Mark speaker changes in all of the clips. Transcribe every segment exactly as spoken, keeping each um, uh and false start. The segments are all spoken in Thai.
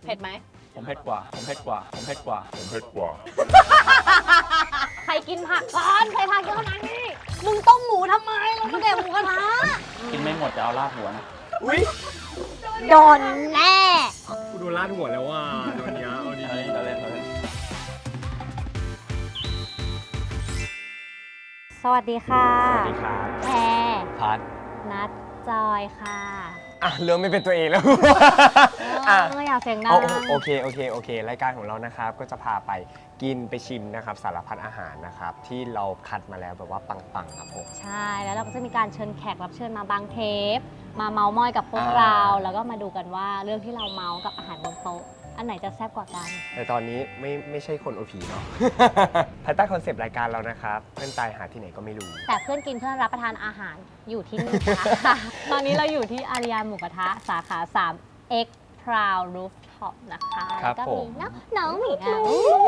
Speaker 1: เผ็ดไหม
Speaker 2: ผมเผ็ดกว่าผมเผ็ดกว่าผมเผ็ดกว่าผมเผ็ดกว่า
Speaker 1: ใครกินผักก่อนใครผักเยอะขนาดนี้มึงต้มหมูทำไมเราก็แดกหมูกระทะ
Speaker 2: กินไม่หมดจะเอาลาดหัวนะ
Speaker 3: อุ้ย
Speaker 1: โดนแน่
Speaker 3: กูโดนลาดหัวแล้วว่ะตอนนี้เอาดี
Speaker 2: ๆเราเล่นเราเล่น
Speaker 1: สวัสดีค่ะ
Speaker 3: สวัสดีครับ
Speaker 1: แพร
Speaker 2: พัด
Speaker 1: นัดจอยค่ะ
Speaker 3: อ่ะเริ่มไม่เป็นตัวเองแล้ว
Speaker 1: อ่ะอยากเสียงดัง
Speaker 3: โอเคโอเคโอเครายการของเรานะครับก็จะพาไปกินไปชิมนะครับสารพัดอาหารนะครับที่เราคัดมาแล้วแบบว่าปังๆครับผม
Speaker 1: ใช่แล้วเราก็จะมีการเชิญแขกรับเชิญมาบางเทปมาเมาท์มอยกับพวกเราแล้วก็มาดูกันว่าเรื่องที่เราเมาส์กับอาหารบนโต๊ะอันไหนจะแซ่บกว่ากัน
Speaker 3: แต่ตอนนี้ไม่ไม่ใช่คนโอผีเนาะ ภายใต้คอนเซปต์รายการเรานะครับเพื่อนตายหาที่ไหนก็ไม่รู้
Speaker 1: แต่เพื่อนกินเพื่อนรับประทานอาหารอยู่ที่นี่ค่ะ ตอนนี้เราอยู่ที่อาริยาหมูกระทะสาขาสาม X Proud Rooftop นะคะ
Speaker 3: ครับผม
Speaker 1: น้องน้องหมีอ่ะ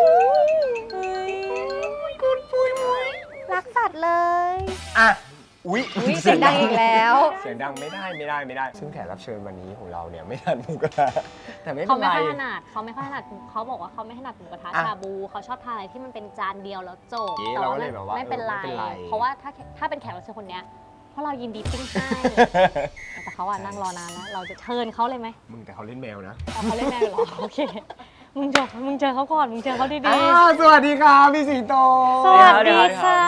Speaker 1: รักสัตว์เลย
Speaker 3: อ่ะอุ๊ย
Speaker 1: เสียงดังอีกแล้ว
Speaker 3: เสียงดังไม่ได้ไม่ได้ไม่ได้ซึ่งแขกรับเชิญวันนี้ของเราเนี่ยไม่ทานหมูกระทะแต่ไม่เป็นไร
Speaker 1: เขาไม่ค่อยถนัดเขาไม่ค่อยถนัดเขาบอกว่าเขาไม่ถนัดหมูกระทะชาบูเขาชอบทานอะไรที่มันเป็นจานเดียวแล้วจบ
Speaker 3: แต่ว่า
Speaker 1: ไม่เป็นไรเพราะว่าถ้าถ้าเป็นแขกรับเชิญคนเนี้ยเพราะเรายินดีปิ้งให้แต่เขาอ่ะนั่งรอนานแล้วเราจะเชิญเขาเลยไหม
Speaker 3: มึงแต่เขาเล่นแมวนะ
Speaker 1: เขาเล่นแมวเหรอโอเคมึงเจอมึงเจอเขาก่อนมึงเจอเขาดี
Speaker 3: ๆสวัสดีครับพี่สิงโต
Speaker 1: สวัสดีค่ะ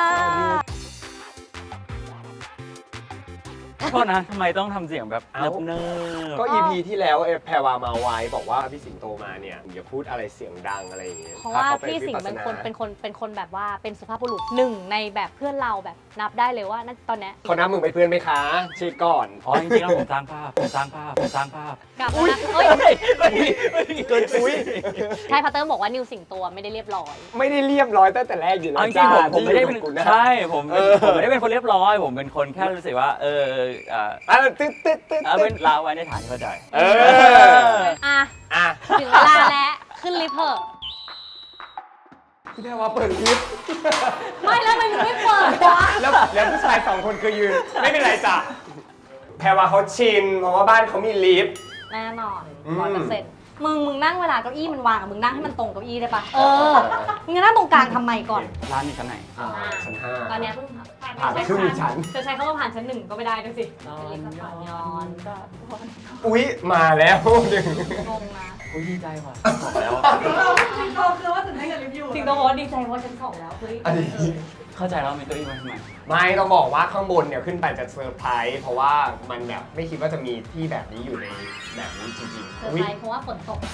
Speaker 2: โทษนะทำไมต้องทำเสียงแบบเนิบๆ
Speaker 3: ก็ อี พี ที่แล้วแพรวามาไว้บอกว่าพี่สิงโตมาเนี่ยอย่าพูดอะไรเสียงดังอะไรอย่างเงี้ย
Speaker 1: เพราะว่าพี่สิงเป็นคนเป็นคนเป็นคนแบบว่าเป็นสุภาพบุรุษหนึ่งในแบบเพื่อนเราแบบนับได้เลยว่าตอนนี้
Speaker 3: เขานับมึงเป็นเพื่อนไหมคะเช็คก่อน
Speaker 2: อ๋อจริงๆแล้วผมสร้างภาพผมสร้างภาพผมสร้างภาพ
Speaker 1: กลับมาเฮ้ย
Speaker 3: เกินปุ้ย
Speaker 1: ใช่พัตเตอร์บอกว่านิวสิงโตไม่ได้เรียบร้อย
Speaker 3: ไม่ได้เรียบร้อยตั้งแต่แรกอยู่แล้ว
Speaker 2: จริงๆผมผมไม่ได้เป็นใช่ผมผมไม่ได้เป็นคนเรียบร้อยผมเป็นคนแค่รู้สึกว่าเออ
Speaker 3: อ่าตึ๊ดตึ๊ดตึ๊ด
Speaker 2: เอาเป็นลาไว้ในฐานเข้าใจ
Speaker 3: เออ
Speaker 1: อ่ะ
Speaker 3: อ่ะ
Speaker 1: ถึงเวลาแล้วขึ้นลิฟต์เถอะ
Speaker 3: พี่แพรว่าเปิดลิฟต์
Speaker 1: ไม่แล้วมันไม่เปิดวะ
Speaker 3: แล้วแล้วผู้ชายสองคนคือยืนไม่เป็นไรจ้ะแพรว่าเขาชินเพราะว่าบ้านเขามีลิฟต์
Speaker 1: แน่นอนร้อยเปอร์เซ็นต์มึงมึงนั่งเวลาเก้าอี้มันวางมึงนั่งให้มันตรงเก้าอี้ได้ปะเออมึงนั่งตรงกลางทำไมก่อน
Speaker 2: ร้านนี้ชั้นไหน
Speaker 3: ชั้นห้า
Speaker 1: ตอนนี้เพิ่ง
Speaker 3: ผ่านครึ่งชั้น
Speaker 1: จะใช้คำว่าผ่านชั้นหนึ่งก็ไม่ได้ด้วยสิย้อน
Speaker 3: อุ๊ยมาแล้วหนึ่ง
Speaker 1: งงนะ
Speaker 2: อุ๊ยดีใจว่ะบอกแล้ว
Speaker 1: สิงโตคือว่าถึงได้กับรีวิวสิงโตบอกว่าดีใจว่าชั้นสองแล้วเฮ้ย
Speaker 2: เข้าใจแล้วมีเก้าอี้มาทำไม
Speaker 3: ไม่ต้องบอกว่าข้างบนเนี่ยขึ้นไปจะเซอร์ไพรส์เพราะว่ามันแบบไม่คิดว่าจะมีที่แบบนี้อยู่ในแบบนี้จริงๆ
Speaker 1: เซอร์ไพรส์เพราะว่าฝนตก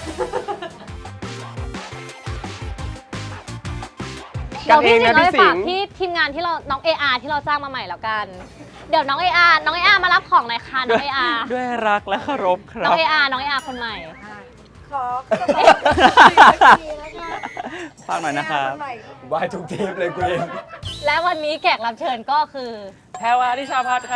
Speaker 1: เดี๋ยวพี่สิงห์เราไปฝากที่ทีมงานที่เราน้อง เอ อาร์ ที่เราจ้างมาใหม่แล้วกันเดี๋ยวน้อง เอ อาร์ น้อง เอ อาร์ มารับของหน่อยค่ะน้อง เอ อาร์
Speaker 2: ด้วยรักและเคารพครับ
Speaker 1: น้อง เอ อาร์ น้อง เอ อาร์ คนใหม่
Speaker 4: ขอ
Speaker 2: ฝากหน่อยนะครับ
Speaker 3: ว่าทุกเทปเลยกูเอง
Speaker 1: และวันนี้แขกรับเชิญก็คือ
Speaker 2: แพรวาทิชาพัฒน์ครับ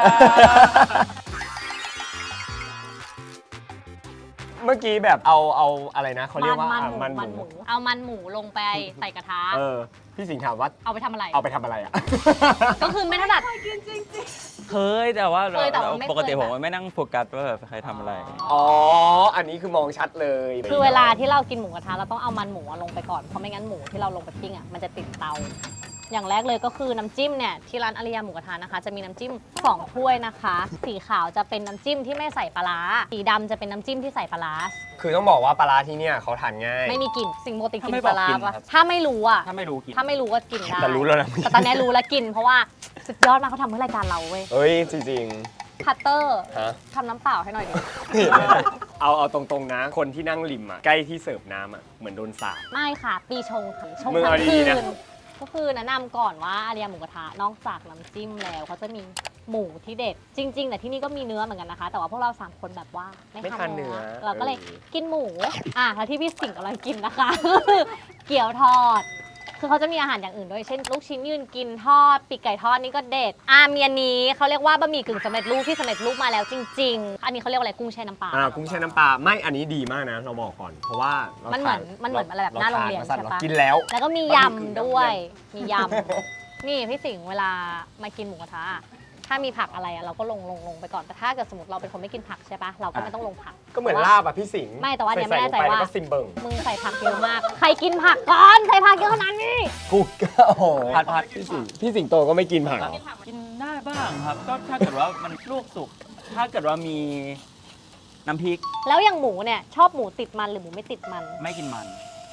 Speaker 3: เมื่อกี้แบบเอาเอาอะไรนะเขาเรียกว่า
Speaker 1: มันหมูเอามันหมูลงไปใส่กระทะ
Speaker 3: เออพี่สิงห์ถามว่า
Speaker 1: เอาไปทำอะไร
Speaker 3: เอาไปทำอะไรอ่ะ
Speaker 1: ก็คือไม่ถนัด
Speaker 2: เคยแต่ว่าปกติผมไม่นั่งโฟกัสว่าแบบใครทำอะไร
Speaker 3: อ๋ออันนี้คือมองชัดเลย
Speaker 1: คือเวลาที่เรากินหมูกระทะเราต้องเอามันหมูลงไปก่อนเพราะไม่งั้นหมูที่เราลงไปปิ้งอ่ะมันจะติดเตาอย่างแรกเลยก็คือน้ำจิ้มเนี่ยที่ร้านอาริยาหมูกระทะนะคะจะมีน้ำจิ้มสองถ้วยนะคะสีขาวจะเป็นน้ำจิ้มที่ไม่ใส่ปลาร้าสีดำจะเป็นน้ำจิ้มที่ใส่ปลาร้า
Speaker 3: คือต้องบอกว่าปลาร้าที่เนี่ยเขาทานง่าย
Speaker 1: ไม่มีกลิ่นสิ่งโมติกินปลาร้าปะถ้าไม่รู้อ่ะ
Speaker 2: ถ้าไม่รู้กิน
Speaker 1: ถ้าไม่รู้ก็กินได้
Speaker 3: แต่รู้แล้วนะ
Speaker 1: แต่ตอนนี้รู้แล้วกินเพราะว่าสุดยอดมากเขาทำเพื่อรายการเราเว้ย
Speaker 3: เฮ้ยจริง
Speaker 1: พัตเตอร์ทำน้ำเปล่าให้หน่อยดิ
Speaker 3: เอาเอาตรงๆนะคนที่นั่งริมอ่ะใกล้ที่เสิร์ฟน้ำอ่ะเหมือนโดนสาป
Speaker 1: ไม่ค่ะปีชงค่ะชงทั้งคืนก็คือแนะนำก่อนว่าอาริยาหมูกระทะนอกจากน้ำจิ้มแล้วเขาจะมีหมูที่เด็ดจริงๆแต่ที่นี่ก็มีเนื้อเหมือนกันนะคะแต่ว่าพวกเราสามคนแบบว่าไม่ทานเนื้อเราก็เลยกินหมูอ่ะแล้วที่พี่สิงห์กำลังกินนะคะก็คือเกี๊ยวทอดคือเขาจะมีอาหารอย่างอื่นด้วยเช่นลูกชิ้นยืนกินทอดปีกไก่ทอดนี่ก็เด็ดอ่ะมีอันนี้เขาเรียกว่าบะหมี่กึ่งสำเร็จรูปที่สำเร็จรูปมาแล้วจริงๆอันนี้เขาเรียกว่าอะไรกุ้งแช่น้ำปลา
Speaker 3: อ่ากุ้งแช่น้ำปลาไม่อันนี้ดีมากนะเราบอกก่อนเพราะว่า
Speaker 1: มันเหมือนมันเหมือนอะไรแบบหน้าโรงเรียนใช่ปะ
Speaker 3: กินแล้ว
Speaker 1: แล้วก็มียำด้วยมียำนี่พี่สิงห์เวลามากินหมูกระทะถ้ามีผักอะไรอะเราก็ลงลงลงไปก่อนแต่ถ้าเกิดสมมติเราเป็นคนไม่กินผักใช่ปะเราก็ไม่ต้องลงผัก
Speaker 3: ก็เหมือนลาบอ่ะพี่สิงห์
Speaker 1: ไม่แต่ว่าเนี่ยไม่แน่ใจ
Speaker 3: ส่ๆลงไป
Speaker 1: ว่า
Speaker 3: แล้วก็ซิมเบิง
Speaker 1: มึงใส่ผักเยอะมาก ใครกินผักก่อนใส่ผักเยอะขนาดนี้
Speaker 3: กูก็โอ้โห
Speaker 2: ผัดผัด
Speaker 3: พี่สิงห์พี่สิงโตก็ไม่กินผักเหรอ
Speaker 2: กินได้บ้างครับ ก็ถ้าเกิดว่ามันลวกสุก ถ้าเกิดว่ามีน้ำพริก
Speaker 1: แล้วอย่างหมูเนี่ยชอบหมูติดมันหรือหมูไม่ติดมัน
Speaker 2: ไม่กินมัน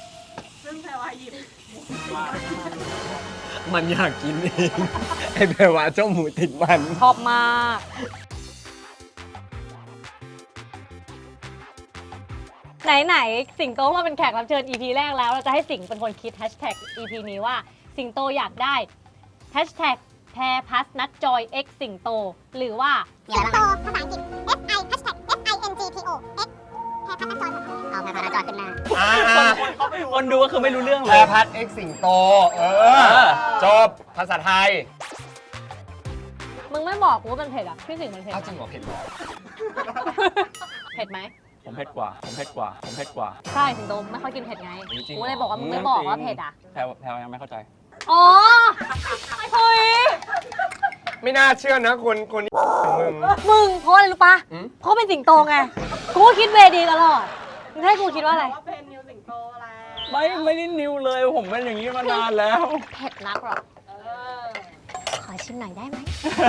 Speaker 3: มันอยากกินเองไอ้แปลว่าเจ้าหมูติดมัน
Speaker 1: ชอบมาก ไหนๆสิงโตมาเป็นแขกรับเชิญ อี พี แรกแล้วเราจะให้สิงเป็นคนคิดแฮชแท็ก อี พี นี้ว่าสิงโตอยากได้แฮชแท็กแพรพัสนัดจอย X สิงโตหรือว่า
Speaker 4: สิงโตภาษาอังกฤษ F I hashtag F I N G T O X แพรพัฒนาจอยเอาแพรพัฒนาจอยขึ้นมา
Speaker 3: อ่า
Speaker 2: คนดูก็คือไม่รู้เรื่อง
Speaker 3: แพ
Speaker 2: เล
Speaker 3: ร
Speaker 2: ย
Speaker 3: พัดเอ็กสิงโต เอ
Speaker 2: เอ
Speaker 3: อ
Speaker 2: อ
Speaker 3: จบ ภาษาไทย
Speaker 1: มึงไม่บอกกูว่ามันเผ็ดอ่ะพี่สิงมันเผ็ด
Speaker 3: อ้าว
Speaker 1: ไห
Speaker 3: จริง
Speaker 1: ม
Speaker 3: เหรอเผ็ดเหรอ
Speaker 1: เผ็ดไหม
Speaker 2: ผมเผ็ดกว่า ผมเผ็ดกว่า ผมเผ็ดกว่า
Speaker 1: ใช่สิงโตไม่ค่อยกินเผ็ดไง
Speaker 3: จริงๆ
Speaker 1: กูเลยบอกว่ามึงไม่บอกว่าเผ็ดอ่ะ
Speaker 2: แพรวแพรวยังไม่เข้าใจ
Speaker 1: อ๋อเฮ้ย
Speaker 3: ไม่น่าเชื่อนะคนคนมึง
Speaker 1: มึงเพราะอะไรรู้ปะ
Speaker 3: อืม
Speaker 1: เพราะเป็นสิงโตไง กูก็คิดเวดีตลอดมึงให้กูคิดว่าอะไร
Speaker 5: ว่าเป็นนิวสิงโตแล้ว
Speaker 2: ไม่ ไม่ได้นิวเลย ผมเป็นอย่างนี้มานานแล้ว
Speaker 1: เผ็ดนักหรอ
Speaker 5: เออ
Speaker 1: ขอชิมหน่อยได้ไหม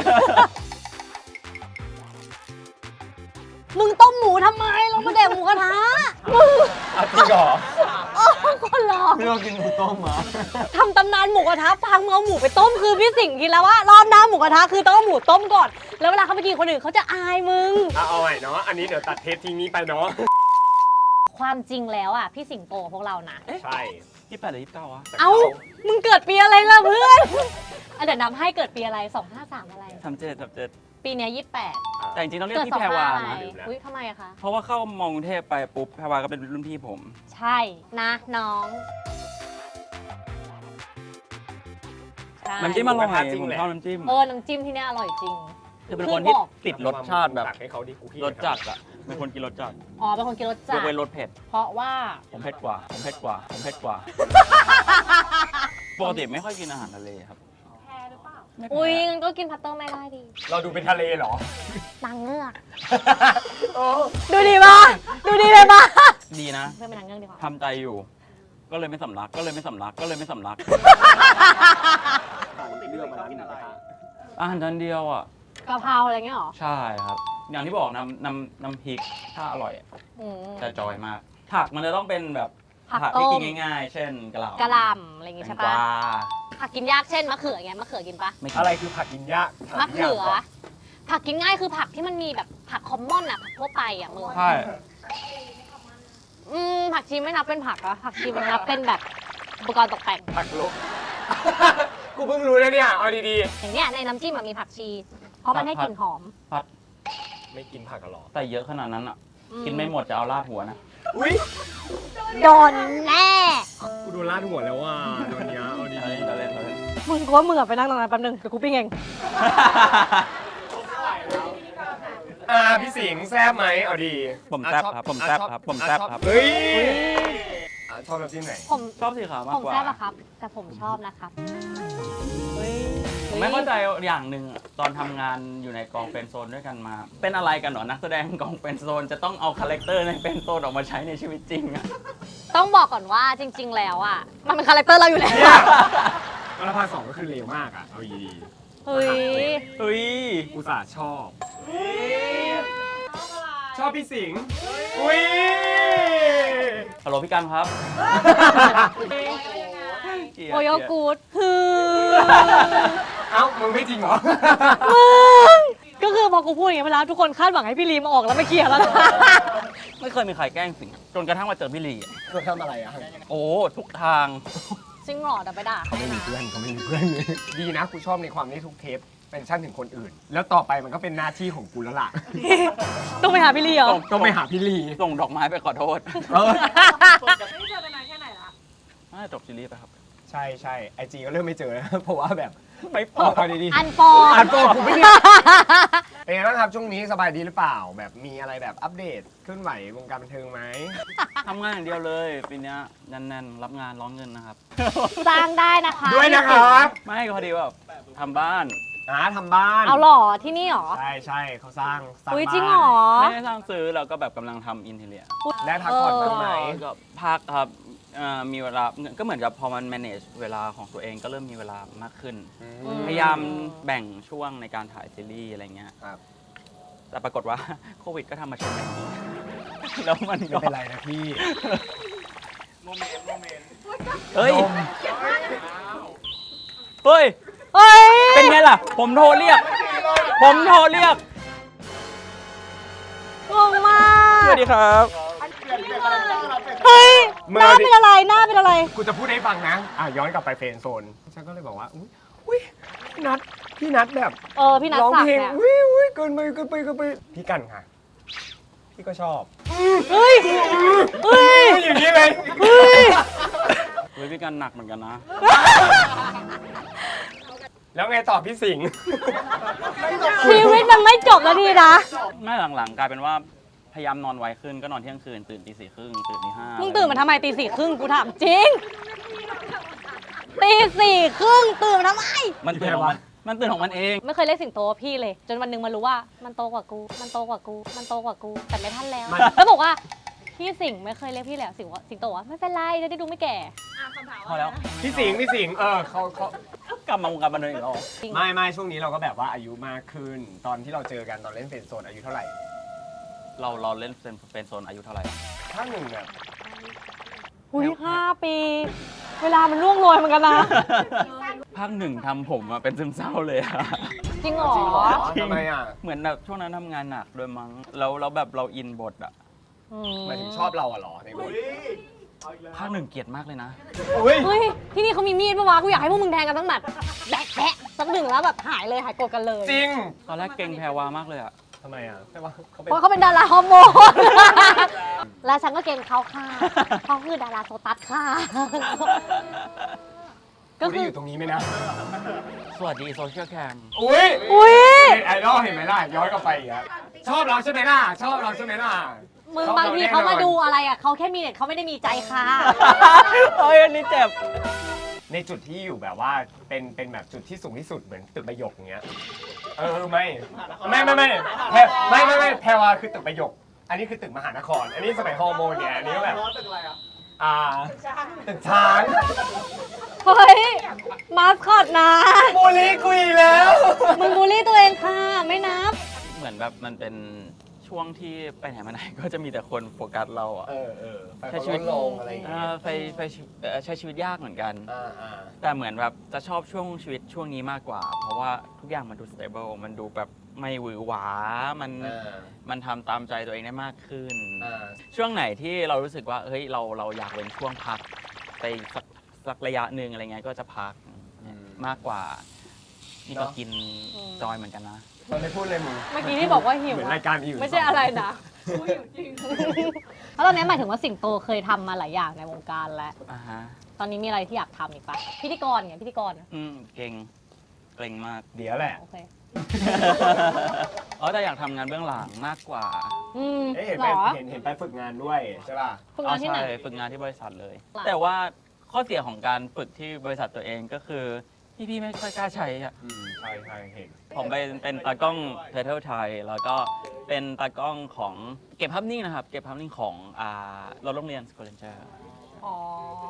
Speaker 1: มึงต้มหมูทำไมเรามาแดกหมูกระทะมึง
Speaker 3: อ่ะจริงเหรอ
Speaker 1: โอ้คนหลอก
Speaker 3: ไม่ต้องกินหมูต้มเหรอ
Speaker 1: ทำตำนานหมูกระทะพังมึงเอาหมูไปต้มคือพี่สิงห์คิดแล้วว่ารอบหน้าหมูกระทะคือต้องเอาหมูต้มก่อน แล้วเวลาเขาไปกินคนอื่นเขาจะอายมึง
Speaker 3: อ่ะเอาใหม่เนาะ อันนี้เดี๋ยวตัดเทปทิ้งนี้ไปเนาะ
Speaker 1: ความจริงแล้วอ่ะพี่สิงโตพวกเรานะ
Speaker 3: ใช่
Speaker 2: ยี่สิบแปดหรือยี่สิบเก้าวะ
Speaker 1: เอ้า มึงเกิดปีอะไรล่ะเพื่อนอันเดี๋ยวนับให้เกิดปีอะไรสองห้าสามอะไร
Speaker 2: ทำเจ็ดทำเจ็ด
Speaker 1: ปีเนี้ยี่สิบแปด
Speaker 2: แต่จริงๆต้องเรีย
Speaker 1: เกิ
Speaker 2: ก
Speaker 1: ด
Speaker 2: พี่
Speaker 1: สอง
Speaker 2: แพรวา
Speaker 1: ห้าอะไร
Speaker 2: นะ
Speaker 1: อุ้ยทำไมอะคะ
Speaker 2: เพราะว่าเข้ามอกรุงเทพไปปุ๊บแพรวาก็เป็นรุ่นพี่ผม
Speaker 1: ใช่นะน้องใช่
Speaker 2: น้ำจิ้มอร่อย
Speaker 3: จริง
Speaker 2: ผม
Speaker 3: แหละ
Speaker 2: ชอบน้ำจิ้ม
Speaker 1: เออน้ำจิ้มที่เนี่ยอร่อยจริง
Speaker 2: คือเป็นคนที่
Speaker 1: คือบอก
Speaker 2: ติดรสชาติแบบ
Speaker 3: ตักให้เขาดิกูขี้
Speaker 2: รสจัดอะเป็นคนกินรสจัด
Speaker 1: อ๋อเป็นคนกินรส
Speaker 2: ย
Speaker 1: จั
Speaker 2: ก
Speaker 1: ด
Speaker 2: เว้นรสเผ็ด
Speaker 1: เพราะว่า
Speaker 2: ผมเผ็ดกว่า ผมเผ็ดกว่า ผมเผ็ดกว่า ปกติไม่ค่อยกินอาหารทะเลครับ
Speaker 5: แพ้หรือเปล่า
Speaker 2: ไม่
Speaker 1: อุ้ย
Speaker 2: แพ้
Speaker 1: งั้นก็กินพัตเตอร์ไม่ได้ดี
Speaker 3: เราดูเป็นทะเลเหรอ
Speaker 1: นางเงือก
Speaker 3: โอ้
Speaker 1: ดูดีป่ะดูดีเลยป่ะ
Speaker 2: ดีนะ
Speaker 1: เพื่อนเป็นนางเงือกดีกว่า
Speaker 2: ทำใจอยู่ ก็เลยไม่สำลัก ก็เลยไม่สำลัก ก็เลยไม่สำลัก อาหารจานเดียวอ่ะ
Speaker 1: กะเพราอะไรเงี้ยเหรอ
Speaker 2: ใช่ครับ อย่างที่บอกน้ำน้ำน้ำพริก ถ้าอร่อยอะ
Speaker 1: อืม
Speaker 2: จะจอยมาก ผักมันจะต้องเป็นแบบ
Speaker 1: ผัก
Speaker 2: ที่
Speaker 1: ต้
Speaker 2: กิ
Speaker 1: ม
Speaker 2: นง่ายๆ เช่นกะหล่ำ
Speaker 1: กะหล่ำอะไรอย่างงี้
Speaker 2: แต
Speaker 1: ใช่
Speaker 2: ง
Speaker 1: ปะ
Speaker 2: กวา
Speaker 1: ผักกินยากเช่นมะเขืออย่างเงี้ยมะเขือกินปะ
Speaker 2: ไม่กิน
Speaker 3: อะไรคือผักกินยาก
Speaker 1: มะเขือ ผักกินง่ายคือผักที่มันมีแบบผักคอมมอนอะผักทั่วไปอะมึง
Speaker 2: ใช่
Speaker 1: อืมผักชีไม่นับเป็นผักอะผักชีมันนับเป็นแบบอุปกรณ์ตกแต่ง
Speaker 3: ผักลบ กูเพิ่งรู้นะเนี่ย เอาดี
Speaker 1: อย่างเนี้ยในน้ำจิ้มมันมีผักชี เพราะมันให้กลิ่นหอม
Speaker 2: ผัด
Speaker 3: ๆ ไม่กินผักกันหรอ
Speaker 2: แต่เยอะขนาดนั้นอ่ะ
Speaker 1: อื
Speaker 2: กินไม่หมดจะเอาราดหัวนะ
Speaker 3: อุ้ย
Speaker 1: โดนแน่
Speaker 3: กูโดนลาดหัวแล้วว่าโดนเนี้ยเอาดี
Speaker 2: เล่นเล่นเล่น
Speaker 1: มึงกูว่ามึงอะไปนั่งตรงนั้นแป๊บนึงเดี๋ยวกูปิ้งเอง
Speaker 3: ๆอ่าพี่สิงห์แซ่บไหมเอาดี
Speaker 2: ผมแซ่บ
Speaker 3: อ่ะ
Speaker 2: ครับผมแซ่บ
Speaker 3: อ่ะ
Speaker 2: ครับผม
Speaker 3: อ่ะ
Speaker 2: แซ่บ
Speaker 3: ชอ
Speaker 2: ครับ
Speaker 3: เฮ้ยอ่ะชอบแบบที่ไหน
Speaker 1: ผม
Speaker 2: ชอบสีขาวมาก
Speaker 1: ผม
Speaker 2: กว่า
Speaker 1: แซ่บอะครับ แต่ผมชอบนะครับ
Speaker 2: ผมไม่เข้าใจอย่างหนึ่งอะตอนทำงานอยู่ในกองเป็นโซนด้วยกันมา เป็นอะไรกันเหรอนักแสดงกองเป็นโซนจะต้องเอาคาแรคเตอร์ในเป็นโซนออกมาใช้ในชีวิตจริงอะ
Speaker 1: ต้องบอกก่อนว่าจริง ๆ แล้วอะมันเป็นคาแรคเตอร์เราอยู่แล้ว
Speaker 3: เนี่ย แล้วภาคสองก็คือเลวมากอ่ะ เอาดี
Speaker 1: เฮ้ย
Speaker 2: เฮ้ย
Speaker 3: ๆอุตส่าห์ชอบ ชอบพี่สิงห์อุ้ย
Speaker 2: ฮัลโหลพี่กันครับ
Speaker 1: โอโยกูดคือ
Speaker 3: เอ้า มึงไม่จริงเหรอ
Speaker 1: ก็คือพอกูพูดอย่างนี้ยไปแล้วทุกคนคาดหวังให้พี่ลีมาออกแล้วไม่เคลียร์แล้วนะ
Speaker 2: ไม่เคยมีใครแกล้งสิงจนกระทั่งมาเจอพี่ลีอะ
Speaker 3: เขาทำอะไรอ่ะ
Speaker 2: โอ้ทุกทาง
Speaker 1: จริงเหรอแต่ไปด่า
Speaker 3: เขาไม่มีเพื่อนเขาไม่มีเพื่อน ดีนะกูชอบในความที่ทุกเทปเป็นชั่นถึงคนอื่น แล้วต่อไปมันก็เป็นหน้าที่ของกูแล้วล่ะ
Speaker 1: ต้องไปหาพี่ลีเหรอ
Speaker 3: ต้องไปหาพี่ลี
Speaker 2: ส่งดอกไม้ไปขอโทษ
Speaker 3: เออ
Speaker 5: ไม่เจอกันนานแค่ไหนละ
Speaker 2: น่าจะจบซีรีส์ไปครับ
Speaker 3: ใช่ใช่ไอจีก็เริ่มไม่เจอแล้ว เพราะว่าแบบไม่พอเอาดีๆ
Speaker 1: อันฟอ
Speaker 3: อ่านโปรกูไม่ได้เป็นไงบ้างครับช่วงนี้สบายดีหรือเปล่า แบบมีอะไรแบบอัปเดตเคลื่อนไหววงการบันเทิงไหม
Speaker 2: ทำงานอย่างเดียวเลยปีเนี้ยแน่นๆ รับงานร้องเงินนะครับ
Speaker 1: สร้างได้นะคะ
Speaker 3: ด้วยนะครับ
Speaker 2: ไม่ก็พอดีว่าทำบ้าน
Speaker 3: อ่าทำบ้าน
Speaker 1: เอาหรอที่นี่หรอ
Speaker 3: ใช่ใช่เขาสร้างสร้าง
Speaker 1: อุ้ย
Speaker 3: บ้าน
Speaker 1: จริงเหรอ
Speaker 2: ไม่ได้สร้างซื้อเราก็แบบกำลังทำอินเทเรีย
Speaker 3: ได้พักผ่อนบ้างไหม
Speaker 2: ก็พักครับเอ่อมีเวลาก็เหมือนกับพอมัน manage เวลาของตัวเองก็เริ่มมีเวลามากขึ้น
Speaker 3: อื
Speaker 1: อืม
Speaker 2: พยายามแบ่งช่วงในการถ่ายซีรีส์อะไรเงี้ย
Speaker 3: ครับ
Speaker 2: แต่ปรากฏว่า โควิดก็ทำมาชนแบบนี้ แล้วมัน
Speaker 3: ไม่
Speaker 2: ก็
Speaker 3: เป็นไรนะพี่
Speaker 2: เฮ้ย
Speaker 3: นม
Speaker 2: เฮ้ย
Speaker 1: เฮ้ย
Speaker 2: เป็นไงล่ะ ผมโทรเรียก ผมโทรเรียก
Speaker 1: งงมาก
Speaker 2: สวัสดีครับ
Speaker 1: เฮ้ย
Speaker 3: เมื่
Speaker 1: ห
Speaker 3: อ
Speaker 1: น้าเป็นอะไรหน้าเป็นอะไร
Speaker 3: กูจะพูดให้ฟังนะ อ่ะย้อนกลับไปเฟรนด์โซน ฉันก็เลยบอกว่า อุ้ยอุ้ยพี่นัทพี่นัทแบบ
Speaker 1: เออพี่นัท
Speaker 3: ร้อง
Speaker 1: ศัก
Speaker 3: เพล
Speaker 1: ดิ์
Speaker 3: ง
Speaker 1: เนี่ย
Speaker 3: อุ้ยอุ้ยเกินไปเกินไปเกินไปพี่กันค่ะ พี่ก็ชอบ
Speaker 1: เฮ้ยเฮ้ย
Speaker 3: อย่างนี้เลย
Speaker 1: เฮ้ย
Speaker 2: เฮ้ยพี่กันหนักเหมือนกันนะ
Speaker 3: แล้วไงต่อพี่สิงห์
Speaker 1: ชีวิตมันไม่จบแล้วทีนะ
Speaker 2: ไม่หลังๆกลายเป็นว่าพยายามนอนไวขึ้นก็นอนเที่ยงคืนตื่นตีสี่ครึ่งตื่นตีห้า
Speaker 1: มึ
Speaker 2: มึ
Speaker 1: งตื่นมาทำไมตีสี่ครึ่งกูถามจริงตีสี่ครึ่งตื่นมาทำไม
Speaker 2: มันตื่นของมันมันตื่นของมันเอง
Speaker 1: ไม่เคยเรียกสิงโตว่าพี่เลย จนวันหนึงมารู้ว่ามันโตกว่ากู มันโตกว่ากู มันโตกว่ากู แต่ไม่ทันแล้ว แล้วบอกว่าพี่สิงห์ไม่เคยเรียกพี่เลยอะสิงห์ว่าสิงโตว่าไม่เป็นไรจะได้ดูไม่แก่
Speaker 5: อ่ะคำถาม
Speaker 2: พอแล้ว
Speaker 3: พี่สิงห์พี่สิงห์เออเขาเขา
Speaker 2: กลับมาวงการบันเทิงอีกแล้ว
Speaker 1: จริง
Speaker 3: ไม่ไม่ช่วงนี้เราก็แบบว่าอายุมากขึ้น ตอนที่เราเจอกันตอนเล่นเฟรนด์โซนอายุเท่าไหร่
Speaker 2: เราเราเล่นเป็นเป็นโซนอายุเท่าไหร่
Speaker 3: ถ้าหนึ่งแบบ
Speaker 1: อุ้ยห้าปี เวลามันล่วงโรยเหมือนกันนะ
Speaker 2: ภาคหนึ่งทำผมมาเป็นซึมเศร้าเลยอะ
Speaker 1: จริงเหรอ
Speaker 3: จริงเหรอทำไมอ่ะ
Speaker 2: เหมือนแบบช่วงนั้นทำงานหนักด้วยมั้งแล้วแล้วแบบเราอินบทอะ
Speaker 1: อื
Speaker 3: หมายถึงชอบเราอะเหรอในบท
Speaker 2: ภาคหนึ่งเกลียดมากเลยนะ
Speaker 3: อุ้ย
Speaker 1: เฮ้ย ที่นี่เขามีมีดปะวะ กูอยากให้พวกมึงแทงกันตั้งแบบแบะแบะสักหนึ่งแล้วแบบหายเลยหายโกรธกันเลย
Speaker 3: จริง
Speaker 2: ตอนแรกเก่งแพรวามากเลยอะ
Speaker 3: ทำไมอ่ะใช่ปะเขาเป็น
Speaker 1: เพราะเขาเป็นดาราฮอร์โมน และฉันก็เก่งเขาค่ะเขาคือดาราโซตัสค่ะ ก็
Speaker 3: กู
Speaker 1: คื
Speaker 3: ได้
Speaker 1: อ
Speaker 3: อยู่ตรงนี้ไหมนะ
Speaker 2: สวัสดีโซเชียลแคม
Speaker 3: อุ้ย
Speaker 1: อุ้ย
Speaker 3: ไอดอลเห็นไหมล่ะย้อนกลับไปอีกแล้วชอบเราใช่ไหมล่ะชอบเราใช่ไหมล่ะ
Speaker 1: มึง
Speaker 3: ชอบบ
Speaker 1: างที
Speaker 3: ร
Speaker 1: เขามา
Speaker 3: แน่นอน
Speaker 1: ดูอะไรอ่ะเขาแค่มีเน็ตเขาไม่ได้มีใจค่ะ
Speaker 2: เฮ้ยอันนี้เจ็บ
Speaker 3: ในจุดที่อยู่แบบว่าเป็นเป็นแบบจุดที่สูงที่สุดเหมือนตึกประโยคอย่างเงี้ย เออไม่ไม่ไม่ไม่แพรไม่ไม่ไม่แพรวาคือตึกประโยค อันนี้คือตึกมหานคร อันนี้สมัยฮอร์โมนเนี่ยอันนี้ก็แบบอ่าตึกช้าง
Speaker 1: เฮ้ย มาสคอตนะ
Speaker 3: บูลลี่กูอีกแล้ว
Speaker 1: มึงบูลลี่ตัวเองค่ะ ไม่นับ
Speaker 2: เหมือนแบบมันเป็นช่วงที่ไปไหนมาไหนก็จะมีแต่คนโฟกัสเราอะ
Speaker 3: เออเออไป
Speaker 2: ใช้
Speaker 3: เขา
Speaker 2: ชีวิต
Speaker 3: ลงอะไรอย่าง
Speaker 2: เอ
Speaker 3: เงี้ย
Speaker 2: อไปไปเอ่อใช้ชีวิตยากเหมือนกัน
Speaker 3: อ่าอ่า
Speaker 2: แต่เหมือนแบบจะชอบช่วงชีวิตช่วงนี้มากกว่า เพราะว่าทุกอย่างมันดู stable มันดูแบบไม่หวือหวา มัน
Speaker 3: อ่า
Speaker 2: มันทำตามใจตัวเองได้มากขึ้น
Speaker 3: อ่า
Speaker 2: ช่วงไหนที่เรารู้สึกว่าเฮ้ยเราเราอยากเป็นช่วงพักไปสักสักระยะหนึ่งอะไรเงี้ยก็จะพัก
Speaker 3: อืม
Speaker 2: มากกว่า นี่ก็
Speaker 3: เนอะ
Speaker 2: กิน
Speaker 1: อืม
Speaker 2: จอยเหมือนกันนะ
Speaker 3: มันไม่พูดเลยมึง
Speaker 1: เมื่อกี้ที่บอกว่าหิว
Speaker 3: เหมือน
Speaker 1: อะ
Speaker 3: รายการอื่น
Speaker 1: ไม่ใช่อะไรนะแล้วตอนนี้หมายถึงว่าสิงโตเคยทำมาหลายอย่างในวงการแล้ว
Speaker 2: อ่าฮะ
Speaker 1: ตอนนี้มีอะไรที่อยากทำอีกปะพิธีกรไงพิธีกรอะ
Speaker 2: อืมเก่งเก่งมาก
Speaker 3: เดี๋ยวแหละ
Speaker 1: โอเค
Speaker 2: อ๋อแต่อยากทำงานเบื้องหลังมากกว่า
Speaker 1: อืม
Speaker 3: เอ๊ะเห็น
Speaker 1: เห
Speaker 3: ไป
Speaker 1: รอ
Speaker 3: เห็นเห็นไปฝึกงานด้วยใช่ป่ะ
Speaker 1: ฝึกงานที่ไหน
Speaker 2: อ๋อใช่ฝึกงานที่บริษัทเลย
Speaker 1: หลัง
Speaker 2: แต่ว่าข้อเสียของการฝึกที่บริษัทตัวเองก็คือ พี่ๆไม่ค่อยกล้าใช้อะ
Speaker 3: อืมใช่ใช่เห็น
Speaker 2: ผมเป็นเป็นตากล้องเทอร์เทลไทยแล้วก็เป็นตากล้องของเก็บภาพนิ่งนะครับ เก็บภาพนิ่งของอ่ารถโรงเรียนสโคเลนเจอร์
Speaker 1: อ๋อ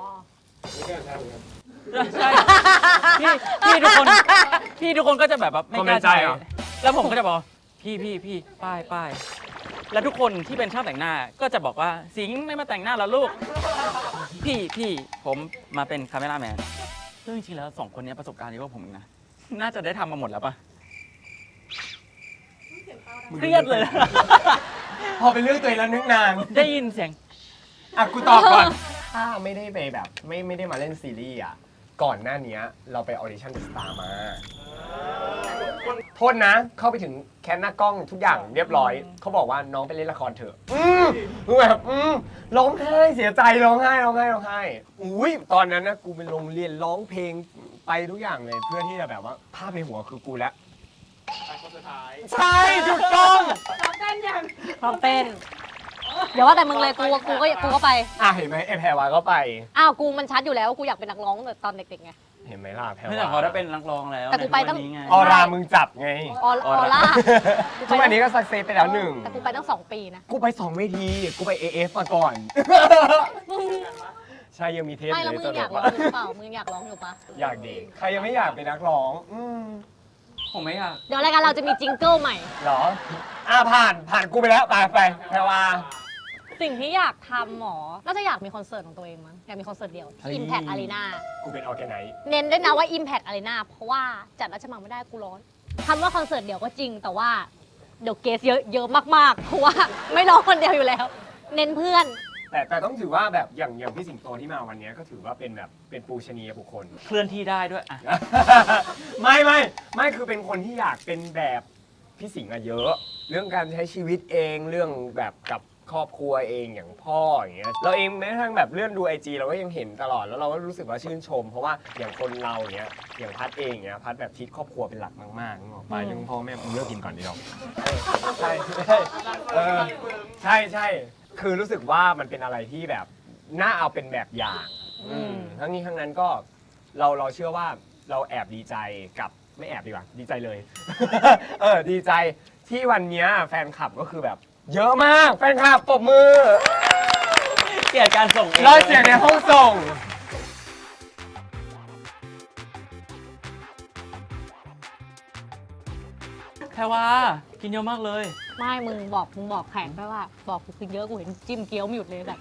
Speaker 2: ใช่พี่พี่ทุกคนพี่ทุกคนก็จะแบบว่าไม่กล้าใช้แล้วผมก็จะบอกพี่พี่พี่ป้ายป้ายแล้วทุกคนที่เป็นช่างแต่งหน้าก็จะบอกว่าสิงห์ไม่มาแต่งหน้าแล้วลูก พี่พี่ผมมาเป็นคาเมราแมนซึ่งจริงๆแล้วสองคนนี้ประสบการณ์เยอะกว่าผมอีกนะน่าจะได้ทำมาหมดแล้วปะเครียดเลย
Speaker 3: พอเป็นเรื่องตัวเองแล้วนึกนาน
Speaker 2: ได้ยินเสียง
Speaker 3: อ่ะกูตอบก่อน ถ้าไม่ได้ไปแบบไม่ไม่ได้มาเล่นซีรีส์อ่ะ ก่อนหน้านี้เราไปออดิชั่นเดอะสตาร์มาโทษนะ เข้าไปถึงแคนหน้ากล้องทุกอย่างเรียบร้อย เขาบอกว่าน้องไปเล่นละครเถอะ อืมคือแบบอืมร้องไห้เสียใจร้องไห้ร้องไห้ร้องไห้อุ้ยตอนนั้นนะกูไปโรงเรียนร้องเพลงไปทุกอย่างเลย เพื่อที่จะแบบว่าภาพในหัวคือกูแล้วใช่ถูกต้อง
Speaker 5: ซ้อมเต้นยัง
Speaker 1: พร้อมเต้น เดี๋ยวว่าแต่มึงเลยกูกูก็กูก็ไป
Speaker 3: อ่ะเห็นไหมไอแพรวาก็ไป
Speaker 1: อ้าวกูมันชัดอยู่แล้วว่ากูอยากเป็นนักร้องตั้งแต่ตอนเด็กๆไง
Speaker 3: เห็นไหมล่ะแพร
Speaker 2: ไม่แต่พอได้เป็นนักร้องแล้ว
Speaker 1: แต่กูไปต้อง
Speaker 2: ในทุกวันนี้ไง
Speaker 3: ออรามึงจับไง
Speaker 1: ออออร่า
Speaker 3: ทุกวันนี้ก็สักเซสไปแล้วหนึ่ง
Speaker 1: แต่กูไปตั้งสองปีนะ
Speaker 3: กูไปสองเวที กูไป เอ เอฟ มาก่อน ใช่ยังมีเทป
Speaker 1: ไม่แล้ว
Speaker 3: เล
Speaker 1: มึ
Speaker 3: ย
Speaker 1: ง
Speaker 3: ตล
Speaker 1: อยาก
Speaker 3: ก
Speaker 1: ร้อ
Speaker 3: ว่าง
Speaker 1: อยู่เปล่ามึงอยากร้องอยู่ปะ
Speaker 3: อยากเด็กใครยังไม่อยากเป็นนักร้อง อืม
Speaker 2: ผมไม่อยาก
Speaker 1: เดี๋ยวรายการเราจะมีจิงเกิลใหม่
Speaker 3: เหรอ อ่าผ่านผ่านกูไปแล้วไปไปแพรวา
Speaker 1: สิ่งที่อยากทำหมอน่าจะอยากมีคอนเสิร์ตของตัวเองมั้งอยากมีคอนเสิร์ตเดียว
Speaker 3: เฮ้ย
Speaker 1: ที่ Impact Arena
Speaker 3: กูเป็นออร์แกไนซ์
Speaker 1: เน้นด้วยนะว่า Impact Arena เพราะว่าจัดราชมังไม่ได้กูร้อนคำว่าคอนเสิร์ตเดียวก็จริง แต่ว่าเดี๋ยวเกสเยอะเยอะมากๆ เพราะว่าไม่ร้องคนเดียวอยู่แล้ว เน้นเพื่อน
Speaker 3: แต่แต่ต้องถือว่าแบบอย่างอย่างพี่สิงโตที่มาวันนี้ก็ถือว่าเป็นแบบเป็นปูชนียบุคคล
Speaker 2: เคลื่อนที่ได้ด้วยอ่ะ
Speaker 3: ไม่ไม่ไม่คือเป็นคนที่อยากเป็นแบบพี่สิงห์อะเยอะ เรื่องการใช้ชีวิตเองเรื่องแบบกับครอบครัวเองอย่างพ่ออย่างเงี้ยเราเองแม้กระทั่งแบบเลื่อนดูไอจีเราก็ยังเห็นตลอดแล้วเราก็รู้สึกว่าชื่นชม เพราะว่าอย่างคนเราเนี้ยอย่างพัดเองเนี้ยพัดแบบทิศครอบครัวเป็นหลักมากๆนึกออกไปเรื่องพ่อแม่ผมเลิกกินก่อนดีกว่าใช่ใช่เออใช่ใช่คือรู้สึกว่ามันเป็นอะไรที่แบบน่าเอาเป็นแบบอย่างอืมทั้งนี้ทั้งนั้นก็เราเราเชื่อว่าเราแอบดีใจกับไม่แอบดีกว่าดีใจเลย เออดีใจที่วันเนี้ยแฟนคลับก็คือแบบ เยอะมากแฟนคลับปรบมือ
Speaker 2: เกลียดการส่งเอง
Speaker 3: รอยเสียงในห้องส่ง
Speaker 2: แพรว่ากินเยอะมากเลย
Speaker 1: ไม่มึงบอกมึงบอกแข่งไปว่า บอกกูคือเยอะกูเห็นจิ้มเกี๊ยวไม่หยุดเลยแบบ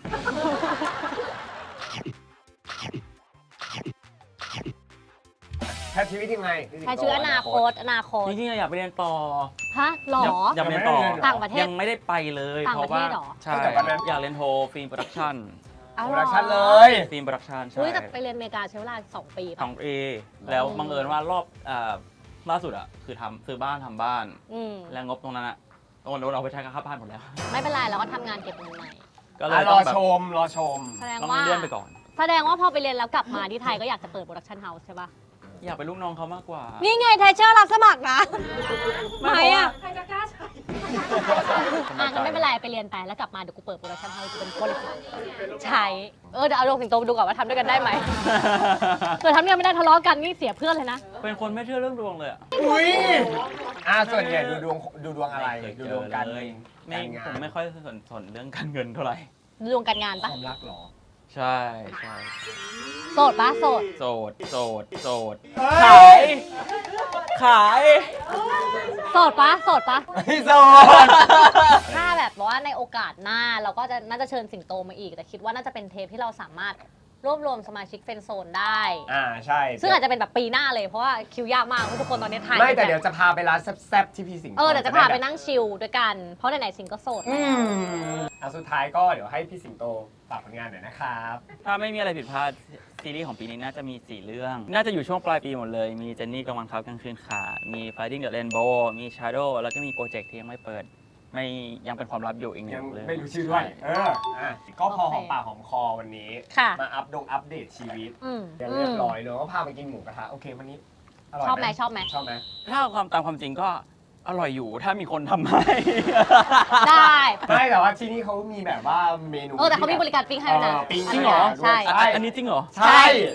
Speaker 3: แค่ชีวิตยังไง
Speaker 1: ใช้ชื่ออนาคตอนาคต
Speaker 2: จริงๆอยากไปเรียนต่อ
Speaker 1: ฮะหรอ
Speaker 2: อยากไปเรียนต่อ
Speaker 1: ต่างประเทศ
Speaker 2: ยังไม่ได้ไปเลย
Speaker 1: ต่าง
Speaker 2: เพ
Speaker 1: ประ
Speaker 2: ราะ
Speaker 1: เท
Speaker 2: ว่า
Speaker 1: ศเหรอ
Speaker 2: ใช่อยากเรียนโทฟิล์มโปรดักชั่น
Speaker 1: อ้าว
Speaker 3: โป
Speaker 1: เห
Speaker 3: ร
Speaker 1: รอ
Speaker 3: ดักชั่นเลย
Speaker 2: ฟิล์มโปรดักชั่นใช่
Speaker 1: อุ้ยแต่ไปเรียนอเมริกาใช้เวลาสองปี
Speaker 2: ข
Speaker 1: ป่ะ
Speaker 2: องเอแล้วบังเอิญว่ารอบอ่าล่าสุดอ่ะคือทำซื้อบ้านทำบ้าน
Speaker 1: อืม
Speaker 2: แล้วงบตรงนั้นอ่ะโอนโอนเอาไปใช้ค่าบ้านหมดแล้ว
Speaker 1: ไม่เป็นไรเราก็ทำงานเก็บเงินใหม่
Speaker 2: ก็เล
Speaker 3: อ่ะ
Speaker 2: ย
Speaker 3: ร
Speaker 2: ต้
Speaker 3: อ
Speaker 2: องแบบ
Speaker 3: ชม รอชม
Speaker 1: แสดง
Speaker 2: ต้อง
Speaker 1: ว่า
Speaker 2: เลื่อนไปก่อน
Speaker 1: แสดงว่าพอไปเรียนแล้วกลับมาที่ไทยก็อยากจะเปิดโปรดักชั่นเฮาส์ใช่ป่ะ
Speaker 2: อยากเป็นลูกน้องเขามากกว่า
Speaker 1: นี่ไงไทเชอร์รับสมัครนะไม่อ่ะ
Speaker 5: ใครจะกล้าใช้
Speaker 1: อ่ะงั้นไม่เป็นไรไปเรียนไปแล้วกลับมาเดี๋ยวกูเปิดโปรดักชั่นเฮาส์เป็นคนใช่เออเดี๋ยวเอาลงสิงโตไปดูก่อนว่าทำด้วยกันได้ไหมเกิดทำด้วยกันไม่ได้ทะเลาะกันนี่เสียเพื่อนเลยนะ
Speaker 2: เป็นคนไม่เชื่อเรื่องดวงเลยอะ
Speaker 3: อุ้ยอ่าส่วนใหญ่ดูดวงดูดวงอะไร
Speaker 2: ม่เคย
Speaker 3: ดู
Speaker 2: เจ
Speaker 3: ดวงการ
Speaker 2: เล
Speaker 3: เงิ
Speaker 2: ย
Speaker 3: น
Speaker 2: ไม่
Speaker 3: การงา
Speaker 2: ผม
Speaker 3: น
Speaker 2: ไม่ค่อยสนสนเรื่องการเงินเท่าไหร่
Speaker 1: ดวงการงาน
Speaker 3: ค
Speaker 1: ปะ
Speaker 3: วามรักเหรอ
Speaker 2: ใช่ใช่
Speaker 1: โสดปะโสด
Speaker 2: โสดโสดโสด
Speaker 3: เฮ้
Speaker 2: ขาย ย ขาย
Speaker 1: โสดปะโสดปะ
Speaker 3: พี่โซน
Speaker 1: ถ้าแบบว่าในโอกาสหน้าเราก็จะน่าจะเชิญสิงโตมาอีก แต่คิดว่าน่าจะเป็นเทปที่เราสามารถรวบรวมสมาชิกเฟรนด์โซนได้
Speaker 3: อ่าใช่
Speaker 1: ซึ่งอาจจะเป็นแบบปีหน้าเลยเพราะว่าคิวยากมากทุกคนตอนนี้ถ่าย
Speaker 3: ไม่แต่
Speaker 1: บบ
Speaker 3: เดี๋ยวจะพาไปร้านแซ่บๆที่พี่สิงห์
Speaker 1: เออเดี๋ยวจะพาไปนั่งชิลด้วยกัน เพราะไหนๆสิงก็โสด
Speaker 3: อืมอ่ะสุดท้ายก็เดี๋ยวให้พี่สิงโตฝากผลงานหน่อยนะครับ
Speaker 2: ถ้าไม่มีอะไรผิดพลาดซีรีส์ของปีนี้น่าจะมี สี่ เรื่อง น่าจะอยู่ช่วงปลายปีหมดเลย มีเจนนี่กลางวันครับกลางคืนค่ะ มี Fighting the Rainbow มี Shadow แล้วก็มีโปรเจกต์ที่ยังไม่เปิด ไม่ยังเป็นความลับอยู่อีกหนึ่
Speaker 3: ยัง
Speaker 2: งเรื่อง
Speaker 3: ไม่รู้ชื่อด้วย เอออ่ะก็พอหอมปากหอมคอวันนี้
Speaker 1: ค่ะ
Speaker 3: มาอัปดงอัปเดตชีวิต
Speaker 1: อืม
Speaker 3: เรียบร้อยเนอะก็พาไปกินหมูกระทะโอเควันนี้อร่อย
Speaker 1: ชอบไหมชอบไหม
Speaker 3: ชอบไหม
Speaker 2: ถ้าเอาความตามความจริงก็อร่อยอยู่ถ้ามีคนทำให้
Speaker 1: ได้
Speaker 3: ไม่แต่ว่าที่นี่เขามีแบบว่าเมนู
Speaker 1: เออแต่เขามีบริการปิ้งให้ด้วยนะ
Speaker 3: เออปิ้ง
Speaker 2: จริงเหรอ
Speaker 1: ใช่
Speaker 3: ใช่
Speaker 2: อันนี้จริงเหรอ
Speaker 3: ใช่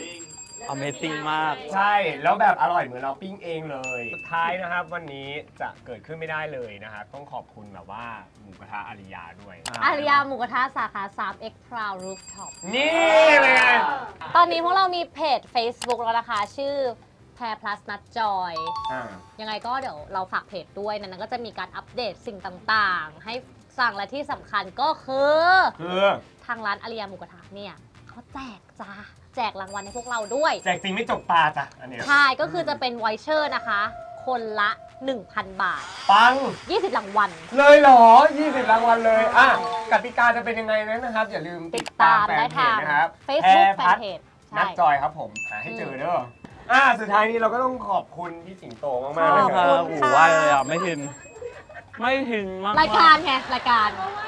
Speaker 2: Amazing มาก
Speaker 3: ใช่ แล้วแบบอร่อยเหมือนเราปิ้งเองเลย สุดท้ายนะครับ วันนี้จะเกิดขึ้นไม่ได้เลยนะครับต้องขอบคุณแบบว่าหมูกระทะอาริยาด้วย
Speaker 1: อาริยาหมูกระทะสาขา ทรี เอ็กซ์ Proud Rooftop
Speaker 3: นี่เลยไง
Speaker 1: ตอนนี้พวกเรามีเพจ Facebook แล้วนะคะ ชื่อแพร plus นัดจอย
Speaker 3: อ่า
Speaker 1: ยังไงก็เดี๋ยวเราฝากเพจด้วยในนั้นก็จะมีการอัปเดตสิ่งต่างๆ ให้สั่งและที่สำคัญก็คือ
Speaker 3: คือ
Speaker 1: ทางร้านอาริยาหมูกระทะเนี่ยเขาแจกจ้าแจกรางวัลให้พวกเราด้วย
Speaker 3: แจกจริงไม่จกตาจ้ะอันเนี้ย
Speaker 1: ใช่ ก็คือจะเป็นไวเชอร์นะคะ คนละ หนึ่งพัน บาท
Speaker 3: ปัง
Speaker 1: ยี่สิบรางวัล
Speaker 3: เลยเหรอ ยี่สิบรางวัลเลย อ่ะกติกาจะเป็นยังไงนั้นนะครับ อย่าลืม
Speaker 1: ติ
Speaker 3: ติ
Speaker 1: ด
Speaker 3: ด
Speaker 1: ตา
Speaker 3: ตาม
Speaker 1: ม
Speaker 3: แฟ
Speaker 1: ได้
Speaker 3: นเพ
Speaker 1: ทา
Speaker 3: จ
Speaker 1: ง
Speaker 3: นะครับ
Speaker 1: Facebook
Speaker 3: แพรพัฒน์
Speaker 1: Fanpage
Speaker 3: นั
Speaker 1: ใช่
Speaker 3: ดจอยครับผม หาให้เจอเด้ออ่ะสุดท้ายนี้เราก็ต้องขอบคุณพี่สิงโตมากๆเลย
Speaker 1: ขอบ
Speaker 3: ค
Speaker 1: คุ
Speaker 3: รับ
Speaker 1: ณ
Speaker 2: โอ้โหว่าเลยอ่ะ ไม่ถึง ไม่ถึงมาก
Speaker 1: รายการไงรายการ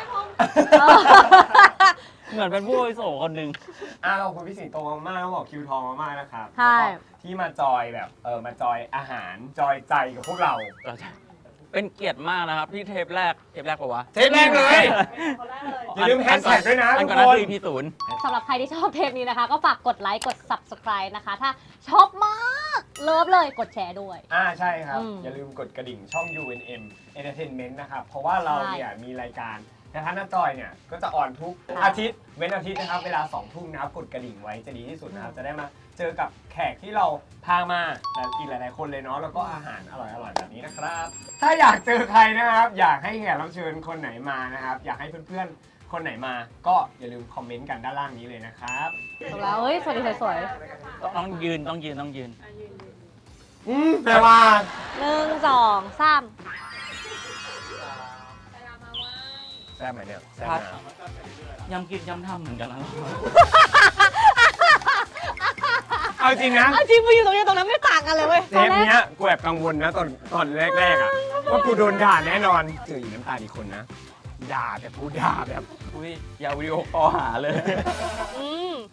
Speaker 2: เหมือนเป็นผู้อาวุโสคนหนึ่ง
Speaker 3: อ่ะขอบคุณพี่สิงโตมากๆต้องบอกคิวทองมากๆนะครับ
Speaker 1: ใช่
Speaker 3: แล้วก็ที่มาจอยแบบเออมาจอยอาหารจอยใจกับพวกเรา
Speaker 2: เราจะเป็นเกียรติมากนะครับที่เทปแรกเทปแรกปะวะ
Speaker 3: เทปแรกเลย
Speaker 5: คนแรกเลย
Speaker 3: อย่าลืมแฮชแท็กด้วยนะ
Speaker 2: อัน
Speaker 3: ทุ
Speaker 2: ก่อก น
Speaker 3: ค
Speaker 2: นั้น
Speaker 3: น
Speaker 2: คือ อี พี ศูนย์
Speaker 1: สำหรับใครที่ชอบเทปนี้นะคะ ก็ฝากกดไลค์ กด subscribe นะคะ ถ้าชอบมาก เลิฟเลยกดแชร์ด้วย
Speaker 3: อ่าใช่ครับ
Speaker 1: อืม
Speaker 3: อย่าลืมกดกระดิ่งช่อง ยู เอ็น เอ็ม Entertainment นะครับ เพราะว่าเราเนี่ยมีรายการกระทะหน้าจอยเนี่ย ก็จะออนทุกอาทิตย์ เว้นอาทิตย์นะครับ เวลาสองทุ่มนะครับ กดกระดิ่งไว้จะดีที่สุดนะครับ จะได้มาเจอกับแขกที่เราพามาแต่อีกหลายๆคนเลยเนาะ แล้วก็อาหารอร่อยๆแบบนี้นะครับ ถ้าอยากเจอใครนะครับ อยากให้แขกรับเชิญคนไหนมานะครับ อยากให้เพื่อนๆ คนไหนมา ก็อย่าลืมคอมเมนต์กันด้านล่างนี้เลยนะครับ
Speaker 1: ถูกแล้วเฮ้ย สวัสดีสวย
Speaker 2: ต้องยืนต้องยืนต้องยืน
Speaker 5: อ่ะยืนยืน
Speaker 3: อืมแปลว่า
Speaker 1: ๆหนึ่งสองสาม
Speaker 5: เวลามาว่า
Speaker 3: แซ่บไหมเนี่ยแซ่บ
Speaker 2: ครับ
Speaker 3: นะ
Speaker 2: ย้ำคิดย้ำทำเหมือนกันนะ
Speaker 3: เอาจริงนะ
Speaker 1: เอาจริงไปอยู่ตรงนี้ตรงนั้นไม่ต่างกันเลยเว้ย
Speaker 3: เทปเนี้ยกูแอบกังวลนะตอนตอนแรกๆอ่ะว่ากูโดนด่าแน่นอนเจออีน้ำตาลอีกคนนะ ด่าแต่กูด่าแบบ
Speaker 2: อุ้ยอย่าวิดีโอคอลหาเลย
Speaker 1: อืม